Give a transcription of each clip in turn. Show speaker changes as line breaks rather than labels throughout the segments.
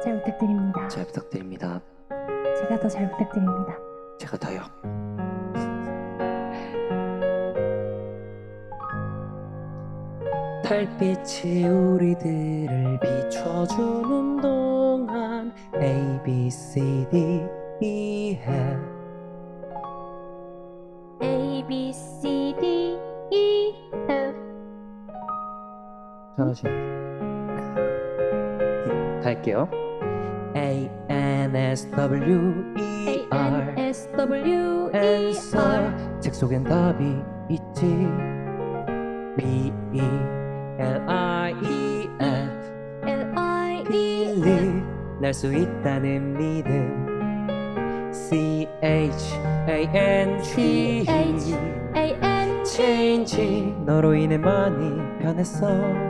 잘 부탁드립니다.
잘 부탁드립니다.
제가 더 잘 부탁드립니다.
제가 더요. 달빛이 우리들을 비춰주는 동안 A, B, C, D, E, F
A, B, C, D, E, F.
잘하시. 갈게요. A, N, S, W, E,
A,
R
N, S, W, E,
answer.
R.
책 속엔 답이 있지. B, E, L, I, E, F
L, I, E, F.
believe 날 수 있다는 믿음. C, H, A, N, G,
H, A, N, G.
change 너로 인해 많이 변했어.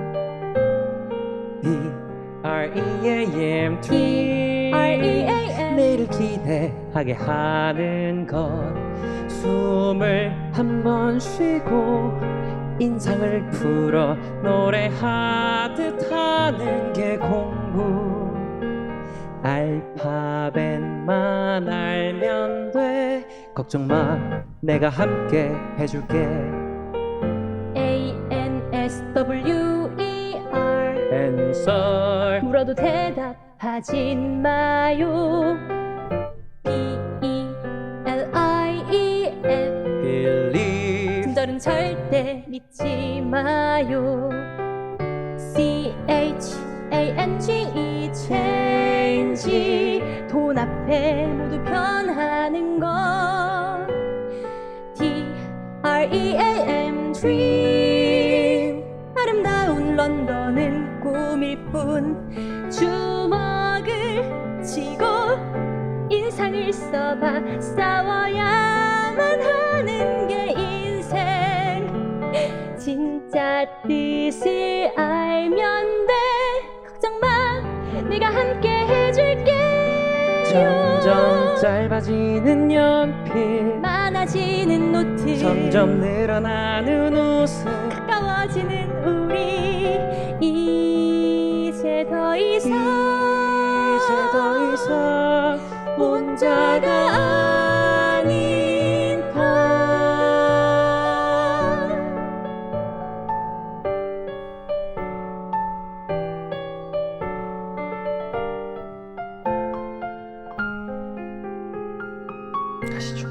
D, R, E, A, M, dream
R, E, A, M.
내일을 기대하게 하는 것. 숨을 한 번 쉬고 인상을 풀어 노래하듯 하는 게 공부. 알파벳만 알면 돼. 걱정 마, 내가 함께 해줄게.
A, N, S, W, E, R.
answer.
물어도 대답하진 마요. B, E, L, I, E, F.
believe
친절은 절대 믿지 마요. C, H, A, N, G, E, change. 돈 앞에 모두 변하는 것. D, R, E, A, M, dream. 아름다운 런던은 꿈일 뿐. 주먹을 쥐고 인상을 써봐. 싸워야만 하는 게 인생. 진짜 뜻을 알면 돼. 걱정 마, 내가 함께 해줄게.
점점 짧아지는 연필,
많아지는 노트,
점점 늘어나는 웃음.
가까워지는 우리. 이제 더 이상 혼자가 아닌 것.
가시죠.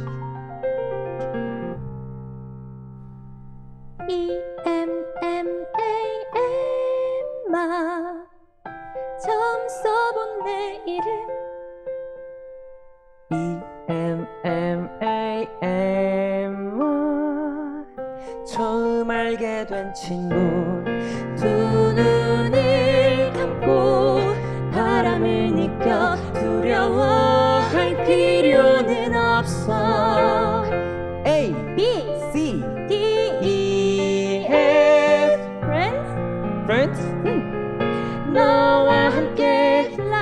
E, M, M, A, M마. 처음 써본 내 이름.
E, M, M, A, M 처음 알게 된 친구.
두 눈을 감고 바람을 느껴. 두려워할 필요는 없어.
A,
B,
C,
D,
E, F
friends.
friends.
너와 함께 fly